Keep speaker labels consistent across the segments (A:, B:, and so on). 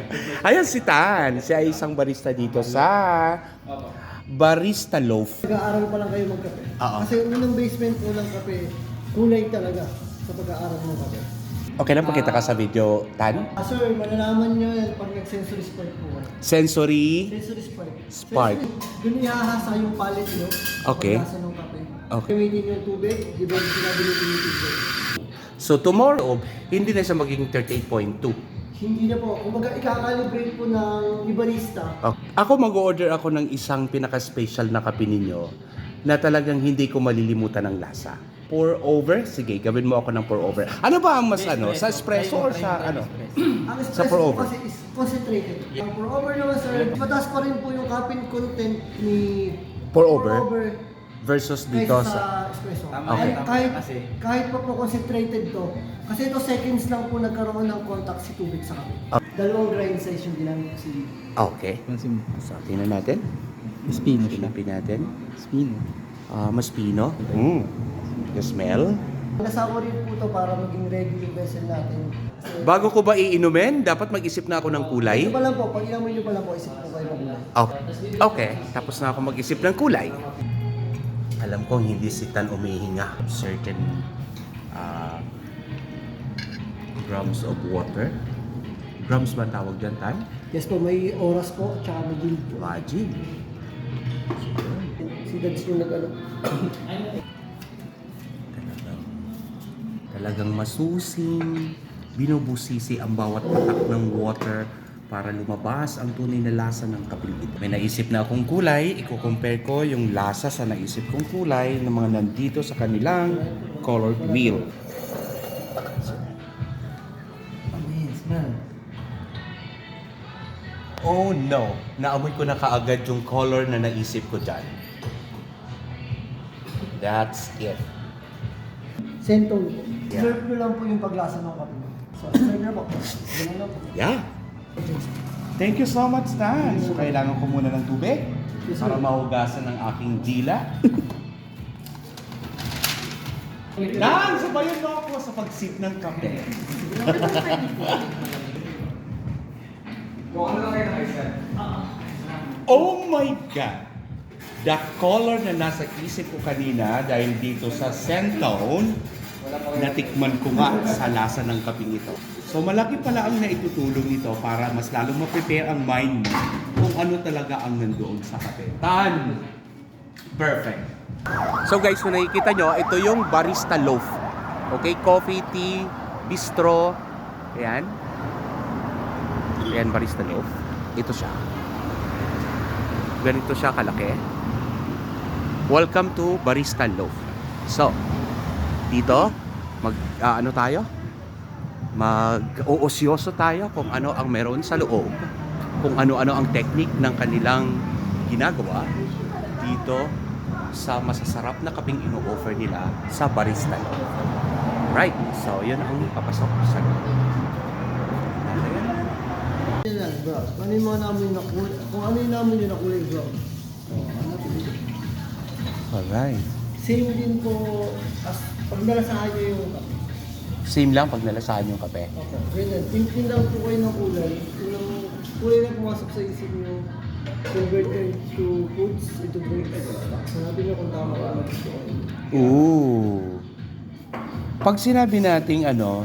A: Ayan si Tan. Siya ay isang barista dito sa Barista Loaf.
B: Nag-aaral pa lang kayo magkape.
A: Oo.
B: Kasi unang basement po ng kape, kulay talaga sa pag-aaral ng kape.
A: Okay lang pakita ka sa video, Tan?
B: Sir, malalaman nyo yan pag nag-sensory spark po kayo.
A: Sensory.
B: Sensory spark.
A: Spark.
B: Doon ihahasa yung palette nyo.
A: Okay.
B: Pagkasa ng kape.
A: Okay.
B: Gamitin yung tubig, di ba yung sinabi yung tubig?
A: So tomorrow, hindi na siya magiging 38.2.
B: Hindi na po. Kumbaga, ikakalibrate po ng ibarista.
A: Ako mag-order ako ng isang pinaka-special na kape ninyo na talagang hindi ko malilimutan ng lasa. Pour over? Sige, gawin mo ako ng pour over. Ano ba ang mas ano? Sa espresso or sa ano?
B: Ang
A: Sa
B: espresso
A: pour
B: po
A: over.
B: kasi is concentrated. Ang pour over naman, sir, mataas pa rin po yung caffeine content ni
A: Pour over? Versus dito
B: kaysa
A: sa...
B: sa espresso.
A: Okay.
B: Kahit pa po concentrated to, kasi ito seconds lang po nagkaroon ng contact si tubig sa kape. Dalawang grind size yung ginamit ko si
A: Okay. So, tingnan natin.
C: Mas pino siya.
A: Pinapin natin.
C: Mas pino.
A: Mas pino. The smell.
B: Nasawa rin po to para maging ready yung vessel natin. Kasi,
A: Bago ko ba iinumin, dapat mag-isip na ako ng kulay.
B: ito pa lang po, pag inamoy nyo pa lang po, isip po kayo ng kulay.
A: Okay. Tapos na ako mag-isip ng kulay. Alam kong hindi si Tan umihinga. Certain grams of water. Grams ba tawag dyan, Tan?
B: Yes po, may oras po, at saka may yield po.
A: Imagine.
B: Si Dads yung nag-ano.
A: Talagang masusing, binubusisi ang bawat patak ng water para lumabas ang tunay na lasa ng kapeng ito. May naisip na akong kulay, i-compare ko yung lasa sa naisip kong kulay ng mga nandito sa kanilang colored wheel.
B: Smell.
A: Oh no! Naamoy ko na kaagad yung color na naisip ko dyan. That's it.
B: Sentol po.
A: Yeah.
B: Serve nyo lang po yung paglasa ng kape. So, serve na po. Ganun lang po.
A: Yeah. Thank you so much, Tan. So, kailangan ko muna ng tubig para mahugasan ang aking dila. Tan, sabayan mo ako sa pag-sip ng kape. Oh my God! The color na nasa isip ko kanina dahil dito sa Centone, natikman ko nga sa lasa ng kaping ito. So malaki pala ang naitutulong nito para mas lalong ma-prepare ang mind mo kung ano talaga ang nandoon sa kape. Tan! Perfect! So guys, kung nakikita nyo, ito yung Barista Loaf. Okay, coffee, tea, bistro. Ayan. Ayan, Barista Loaf. Ito siya. Ganito siya kalaki. Welcome to Barista Loaf. So, dito, ano tayo? Mag-uosyoso tayo kung ano ang meron sa loob. Kung ano-ano ang technique ng kanilang ginagawa dito sa masasarap na kaping ino-offer nila sa Barista Loaf. Right, so yun ang papasok sa loob.
B: Yan, bro. Ano yung mga namin na kulay? Kung ano yung namin yung na kulay, bro.
A: Alright.
B: Same din po as pag nalasahan nyo yung kape.
A: Same lang pag nalasahan yung kape.
B: Okay. Ganyan. Tintin lang po kayo ng kulay. Unang kulay na pumasok sa isip nyo. Converted to foods, into drinks. Sanabi nyo kung tama ka.
A: Ooh. Pag sinabi nating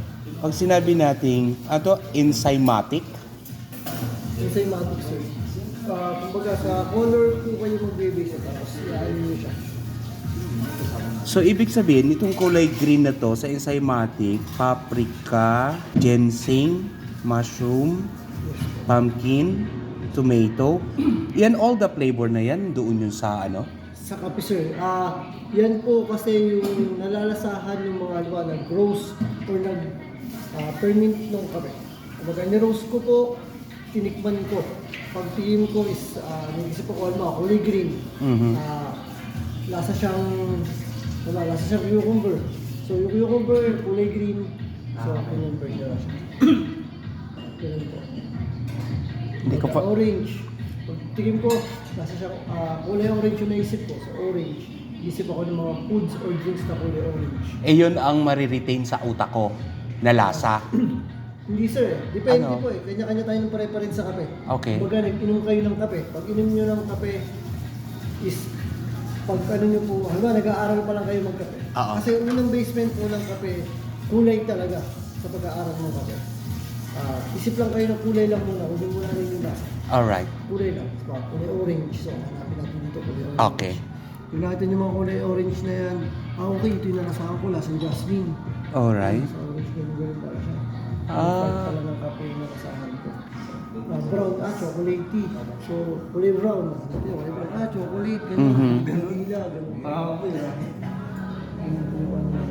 A: enzymatic,
B: Enzymatic, sir. Kumbaga sa color po kayo mag-base tapos i-ano nyo siya.
A: so ibig sabihin, itong kulay green na to sa enzymatic, paprika, ginseng, mushroom, pumpkin, tomato, yan all the flavor na yan, doon yun sa ano?
B: Sa kape, sir. Yan po kasi yung nalalasahan ng mga nag-roast or nag-ferment ng kape. Kumbaga, ni-roast ko po, tinikman ko. Pag tingin ko is, nag-isip ko kulay green.
A: Mhm.
B: Lasa siyang cucumber. So, yung cucumber, kulay green. So, cucumber na siya. Ganun po.
A: Hindi ko pa...
B: Orange. Pag tingin ko, nasa siyang kulay orange yung naisip ko. So, orange. Isip ako ng mga foods or drinks na kulay orange.
A: Eh yun ang mariretain sa utak ko na lasa.
B: Hindi sir, depende
A: Ano?
B: po eh. Kanya-kanya tayo ng preference sa kape.
A: Okay.
B: Kumbaga, nag-inom kayo ng kape. Pag inom nyo ng kape is, pag ano nyo po, nag-aaral pa lang kayo magkape.
A: Oo.
B: Kasi yung unang basement po ng kape, kulay talaga sa pag-aaral ng kape. Isip lang kayo ng kulay lang muna, huwag muna rin yung lasa.
A: Alright.
B: Kulay lang, kulay orange. So, hanapin natin dito kulay orange.
A: Okay.
B: Yung natin yung mga kulay orange na yan, okay, ito yung nalasahan ko, lasang jasmine.
A: Alright.
B: Sa orange, ganun pala siya.
A: Ah.
B: Pala ng kape yung nalasahan ko. Brown, chocolate tea. So, kulay brown. Kulay brown, chocolate, ganun.
A: Mhm.
B: Vanilla, ganun. Okay, Yun po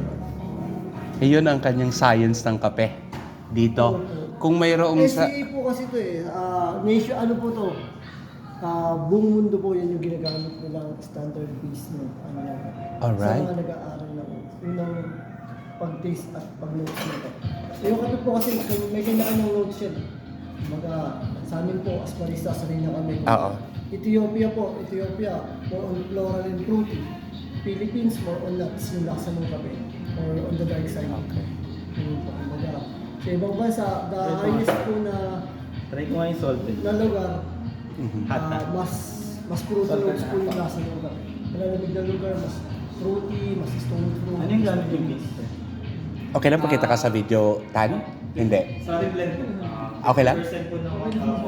A: Iyon ang kanyang science ng kape dito. Kung mayroong sa...
B: SCA po kasi ito eh. Nation, ano po to? Buong mundo po yan yung ginagamit nilang standard piece ng ano yan.
A: Alright.
B: Sa mga nag-aaral ng unang pag-taste at pag-notes nito. So yung kape po kasi may kanya-kanyang notes yan. Mga sa amin po, as barista, sanay na kami.
A: Oo.
B: Ethiopia po, more on floral and fruity. Philippines, more on nuts, yung laksa ng kape. Or on the dark side.
A: Okay.
B: Yun po, kumbaga. Sa ibang bansa, the highest po na
C: Try ko nga yung salted.
B: na lugar,
A: Mhm.
B: mas fruity notes po yung lasa ng kape. Malalamig na lugar, mas fruity, mas stone fruit.
C: Ano yung gamit yung beans?
A: Okay lang pakita ka sa video, Tan? Hindi.
C: Sorry, blend po.
A: Okay lang?
C: Percent po ng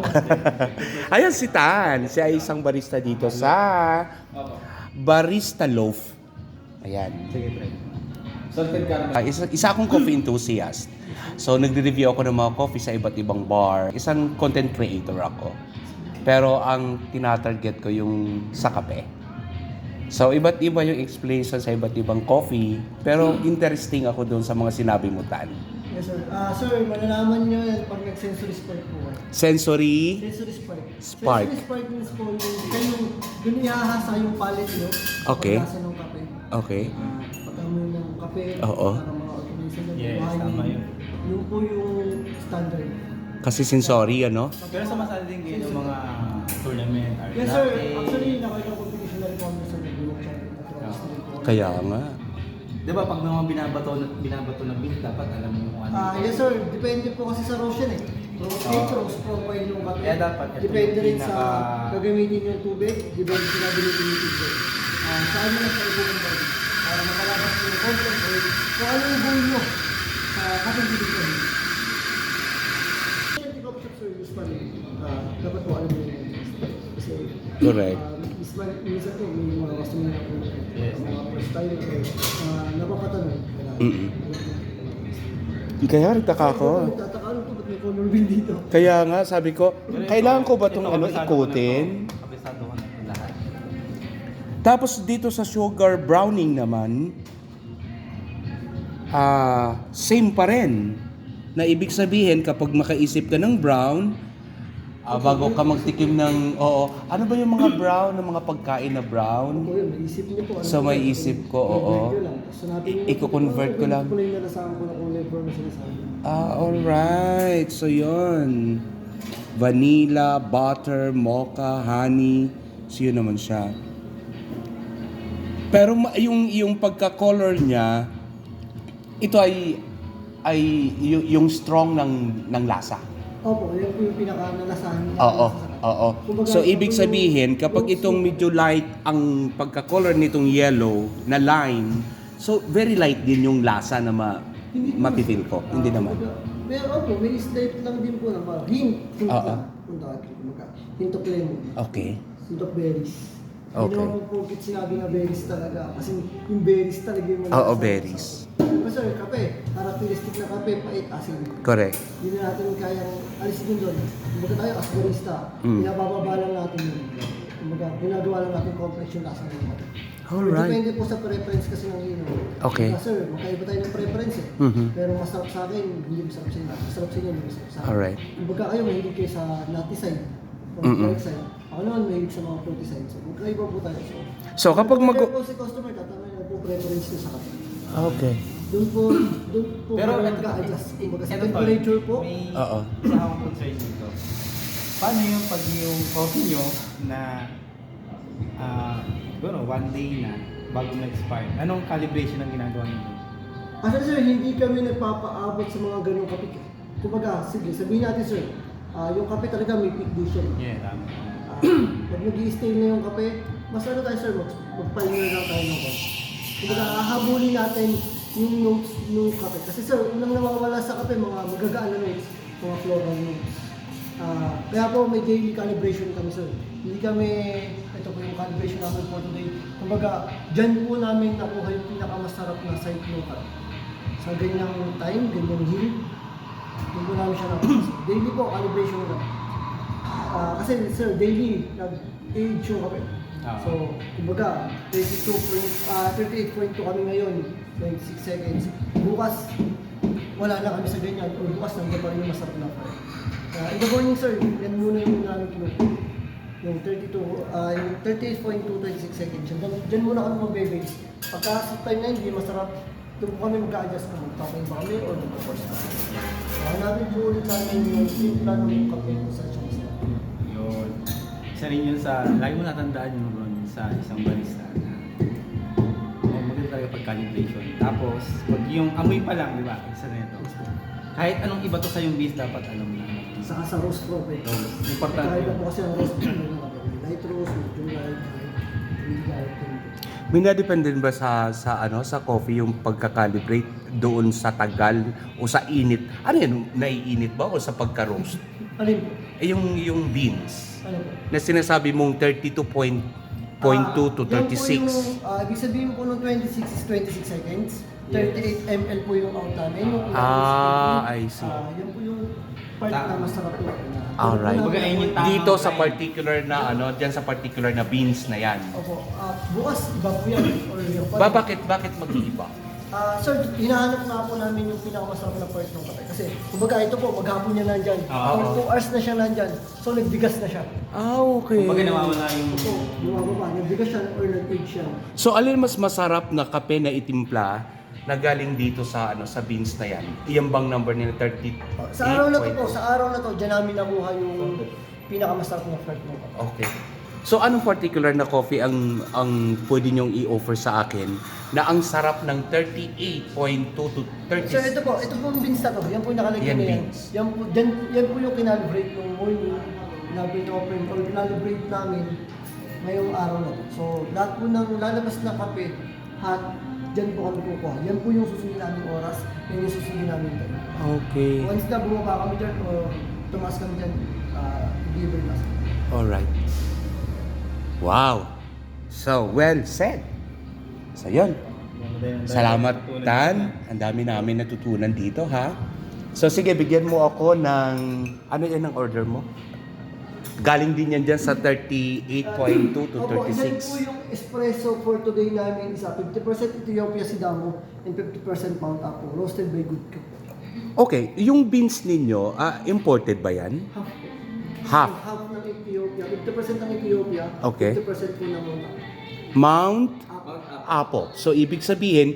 A: Ayan si Tan. Siya ay isang barista dito sa Barista Loaf. Ayan.
C: Sige, try. Salted caramel.
A: Isa akong coffee enthusiast. So, nagre-review ako ng mga coffee sa iba't ibang bar. Isang content creator ako. Pero ang tinatarget ko yung sa kape. So, iba't iba yung explanation sa iba't ibang coffee. Pero interesting ako doon sa mga sinabi mo, Tan.
B: Yes sir. Sir, malalaman nyo yan pag nag-sensory spark po.
A: Sensory.
B: Sensory spark.
A: Spark.
B: Sensory spark means po yung dun ihahasa yung palate nyo.
A: Okay.
B: Pag-lasa ng kape.
A: Okay.
B: Pag-amoy ng kape.
A: Oo.
B: Para mga automation ng
C: Yes,
B: buhay.
C: tama yun.
B: Yun po yung standard.
A: Kasi sensory, ano?
C: Pero sumasali din kayo ng mga tournament, art
B: Yes sir.
C: latte.
B: Actually, nakita ko competition na rin kami sa Nagulong Champion at Ross po.
A: Kaya nga.
C: Di ba pag mga binabato na beans, dapat alam mo kung ano.
B: Yes sir, depende po kasi sa roast yan eh. Roast profile yung kape.
C: Kaya dapat ito
B: Depende
C: yung
B: rin sa
C: pinaka-
B: gagamitin yung tubig, depende sa gagamitin yung tubig. Saan mo lang sa ibubumbay para makalabas yung content or kung ano yung goal nyo sa kapag bibigyan. Yung coffee shop service pa rin, dapat po alam mo yung kasi
A: Correct.
B: minsan po may mga customer na po
C: Yes.
B: mga first time napapatanong.
A: Mm-mm. Kaya nagtaka ako.
B: Nagtataka ano to, ba't may color wheel dito?
A: Kaya nga, sabi ko, kailangan ko ba itong
C: Ito,
A: ano,
C: kabisado ko na
A: ikutin?
C: to. Kabisado ko na ito lahat.
A: Tapos dito sa sugar browning naman, same pa rin. Na ibig sabihin, kapag makaisip ka ng brown, bago ka magtikim ng, ano ba yung mga brown, ng mga pagkain na brown?
B: Po yun, may isip niyo po.
A: So, may isip ko, oo.
B: Convert nyo lang. So, natin
A: I-convert ko lang.
B: Kulay na nasahan ko na kulay brown na sinasabi.
A: Alright. So, yun. Vanilla, butter, mocha, honey. So, yun naman siya. Pero yung pagka-color niya, ito ay yung strong ng lasa.
B: Opo, yun po yung pinaka-nalasahan niya.
A: Oo. So, ibig sabihin, kapag itong medyo light ang pagka-color nitong yellow na lime, so, very light din yung lasa na mapipil ko. Hindi naman.
B: Pero opo, may slight lang din po na parang hint. Hint of lemon.
A: Okay.
B: Hint of berries.
A: Okay.
B: Hindi naman po sinabi na berries talaga. Kasi yung berries talaga yung
A: Oo, berries.
B: Pero sir, kape. Characteristic na kape, pait, asin.
A: Correct.
B: Hindi na natin kayang alisin yun doon. Kumbaga tayo as barista, pinabababa lang natin yun. Kumbaga, ginagawa lang natin complex yung lasa ng kape.
A: Alright.
B: Depende po sa preference kasi ng inom.
A: Okay.
B: Sir, magkaiba tayo ng preference eh.
A: Mhm.
B: Pero masarap sa akin, hindi masarap sa inyo. Masarap sa inyo, hindi masarap sa akin.
A: Alright.
B: Kumbaga kayo, mahilig kayo sa nutty side. Or dark side. Ako naman, mahilig sa mga fruity side. So, magkaiba po tayo.
A: So, kapag
B: Kaya po si customer, tatanungin na po preference niyo sa kape.
A: Okay.
B: Doon po
C: Pero
B: kayo
C: ito-
B: mag-a-adjust. Kumbaga sa
C: Ito,
B: temperature po,
C: May
A: Oo.
C: isa akong concern dito. Paano yung pag yung coffee nyo na siguro one day na bago ma-expire? Anong calibration ang ginagawa nyo?
B: Kasi sir, hindi kami nagpapaabot sa mga ganong kapik. kumbaga, sige, sabihin natin sir, yung kape talaga may peak din siya.
C: Yeah, tama.
B: Pag nag-i-stay na yung kape, mas ano tayo sir, magpahinga lang tayo ng kape. Kumbaga, hahabulin natin yung notes ng kape. Kasi sir, unang nawawala sa kape, mga magagaan na notes, mga floral notes. Kaya po may daily calibration kami sir. Hindi kami, ito po yung calibration namin for today. Kumbaga, dyan po namin nakuha yung pinakamasarap na site ng kape. Sa ganyang time, ganyang yield, doon po namin siya nakuha. Daily po, calibration na. Kasi sir, daily, nag-age yung kape. So, kumbaga, 38.2 kami ngayon, 26 seconds. Bukas, wala na kami sa ganyan. O bukas, nandiyan pa rin yung masarap na kape. In the morning sir, yan muna yung namin kinuha. Yung 38.2, 26 seconds. Diyan muna kami mag-base. Pagka sa time na hindi masarap, doon po kami mag-a-adjust kung magpapay ba kami o mag-force na. Hanapin po ulit namin yung timpla ng kape kung saan siya masarap.
C: Yun. Isa rin yun sa, lagi mo natandaan yun ron sa isang barista na maganda talaga pag-calibration. Tapos, pag yung amoy pa lang, di ba? Isa na ito. Kahit anong iba to sa yung beast, dapat alam na.
B: Saka sa roast pro,
C: Importante
B: Kahit
C: yun.
B: po kasi ang roast pro, light roast, medium light, medium light.
A: May nadepende ba sa coffee yung pagka-calibrate doon sa tagal o sa init? Ano yan? Naiinit ba o sa pagka-roast?
B: Alin po?
A: Yung beans
B: Ano po?
A: na sinasabi mong 32.2 to 36.
B: Yan po yung, ibig sabihin po ng 26 is 26 seconds. 38 ml po yung out namin. Yung
A: I see.
B: Yan po yung part na masarap po.
A: Alright.
C: Kumbaga, ayun yung tamang
A: Dito sa
C: time.
A: particular na diyan sa particular na beans na yan.
B: Opo. Bukas, iba po yan. Or yung
A: Bakit mag-iiba?
B: sir, hinahanap na po namin yung pinakamasarap na part ng kape. Kasi, kumbaga ito po, maghapon niya nandyan. Or 2 hours na siya nandyan. So, nagbigas na siya.
A: Okay.
C: Kumbaga nawawala yung...
B: Opo, bumababa. Nagbigas siya or nag-age siya.
A: So alin mas masarap na kape na itimpla na galing dito sa sa beans na yan? Iyang bang number nila 38?
B: Sa araw na to po, sa araw na to, dyan namin nakuha yung pinakamasarap na part ng kape.
A: Okay. So anong particular na coffee ang pwede niyong i-offer sa akin na ang sarap ng 38.2 to 30?
B: So ito po yung beans na to. Yan po yung nakalagay
A: Yan
B: na yan.
A: beans.
B: Yan po yung kinalibrate ng morning na pin-open or kinalibrate namin ngayong araw na to. So lahat po ng lalabas na kape, hot, dyan po kami kukuha. Yan po yung susunod namin oras, yan yung susunod namin time.
A: Okay.
B: Once na bumaba kami dyan o tumaas kami dyan, deliver na.
A: Alright. Wow. So, well said. So, yun. Salamat, Tan. Ang dami namin natutunan dito, ha? So, sige, bigyan mo ako ng... Ano yan ang order mo? Galing din yan dyan sa 38.2 to
B: Opo, yan
A: 36.
B: po yung espresso for today namin isa 50% Ethiopia Sidamo and 50% Mount Apo, roasted by Good Cook.
A: Okay, yung beans ninyo, imported ba yan?
B: Half.
A: Half.
B: Half ng Ethiopia, 50% ng Ethiopia,
A: Okay.
B: 50% po ng Mount Apo.
A: Mount
B: Apo.
A: Apo. So, ibig sabihin,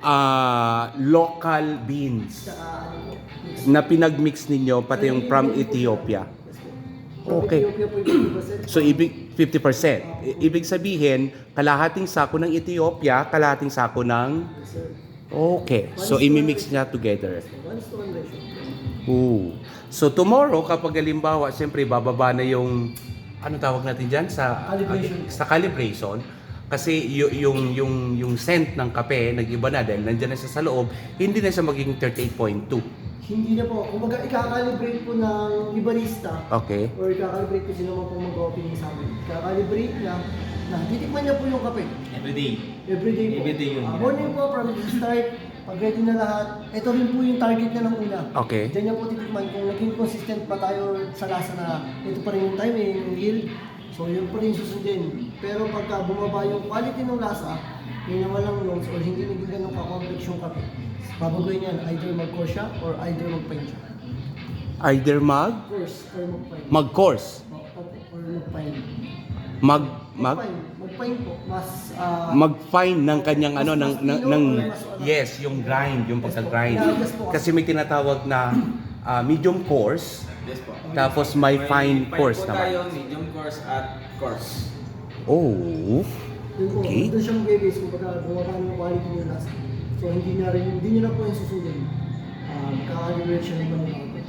A: local beans
B: Tsaka ano po, mix.
A: na pinag-mix ninyo, pati yung from Ethiopia.
B: Yes po. From
A: Okay.
B: Ethiopia po yung 50%.
A: So, 50%. Ibig sabihin, kalahating sako ng Ethiopia, kalahating sako ng...
B: Yes, sir.
A: Okay. So, imimix niya together.
B: 1:1 ratio.
A: Ooh. So, tomorrow, kapag halimbawa, siyempre, bababa na yung... Ano tawag natin dyan?
B: Calibration.
A: Sa calibration. Kasi yung scent ng kape, nag-iba na dahil nandiyan na siya sa loob, hindi na siya magiging 38.2.
B: Hindi na po. Kumbaga, i-calibrate po ng barista
A: Okay.
B: or i-calibrate po sino man po mag-opening sa amin. I-calibrate na titikman niya po yung kape.
C: Everyday.
B: Everyday po.
C: Everyday yun.
B: Morning po from the start, pag ready na lahat, ito rin po yung target niya ng una.
A: Okay.
B: Diyan niya po titikman kung naging consistent pa tayo sa lasa na ito pa rin yung time, yung yield. So yun pa rin susundin. Pero pagka bumaba yung quality ng lasa, yung walang notes or hindi naging ganun ka-complex yung kape, babagoy niyan, either mag-course siya or either mag-pine siya.
A: Either
B: Course or mag-pine.
A: mag-course.
B: Or mag-pine. Mag-pine po. Mas,
A: mag-fine ng kanyang
B: Mas-
A: ano
B: mas
A: ng
B: pino or mas ano?
A: yes, yung grind, yung pagka-grind.
B: Yes po.
A: Kasi may tinatawag na medium coarse,
D: Yes po.
A: tapos may fine coarse
D: po
A: naman.
D: tayo, medium course at course.
A: Oh.
B: Yun po,
A: Okay.
B: doon siya mag-base kung pagka bumaba ng quality niya last. So hindi niya na po yung susundin. Kaka-liberate siya ng mga bago.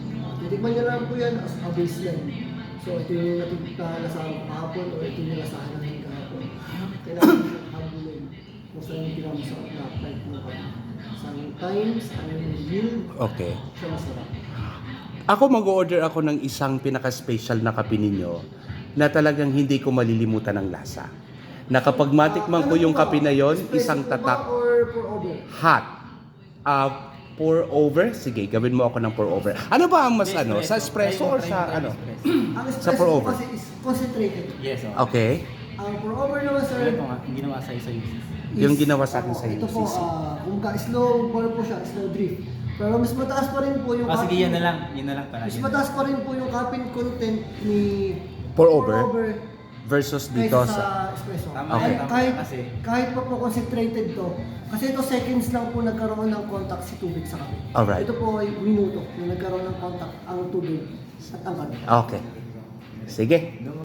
B: Titikman niya lang po yan as a baseline. So ito yung nalasahan ko kahapon o ito yung nalasahan natin kahapon. Kailangan mo siyang habulin kung saan yung pinakamasarap na type mo ka. Sometimes, ano yung yield,
A: Okay.
B: siya masarap.
A: Ako mag-order ako ng isang pinaka-special na kape ninyo na talagang hindi ko malilimutan ang lasa. Na kapag matikman ko yung kape na yon, isang tatak
B: Or pour over?
A: hot. Pour over? Sige, gawin mo ako ng pour over. Ano ba ang mas ano? Sa espresso or sa ano?
B: Ang
A: Sa
B: espresso
A: pour
B: po
A: over.
B: kasi is concentrated.
C: Yes,
A: Okay.
B: Ang pour over naman sir,
C: Ito nga, yung ginawa sa isa
A: Yung ginawa sa akin sa
B: ito po,
A: UCC.
B: kung ka-slow pour po siya, slow drift. Pero mas mataas pa rin po yung
C: Ah, sige,
B: caffeine-
C: yan na lang. Yan na lang pala.
B: Mas mataas pa rin po yung caffeine content ni
A: Pour over versus
B: kaysa
A: dito
B: sa
A: sa...
B: espresso.
C: Tama
A: Okay.
C: yan, tama
B: Kahit,
C: yan kasi.
B: kahit pa po concentrated to, kasi ito seconds lang po nagkaroon ng contact si tubig sa kape.
A: Alright.
B: Ito po ay minuto na nagkaroon ng contact ang tubig at ang kape.
A: Okay. Sige.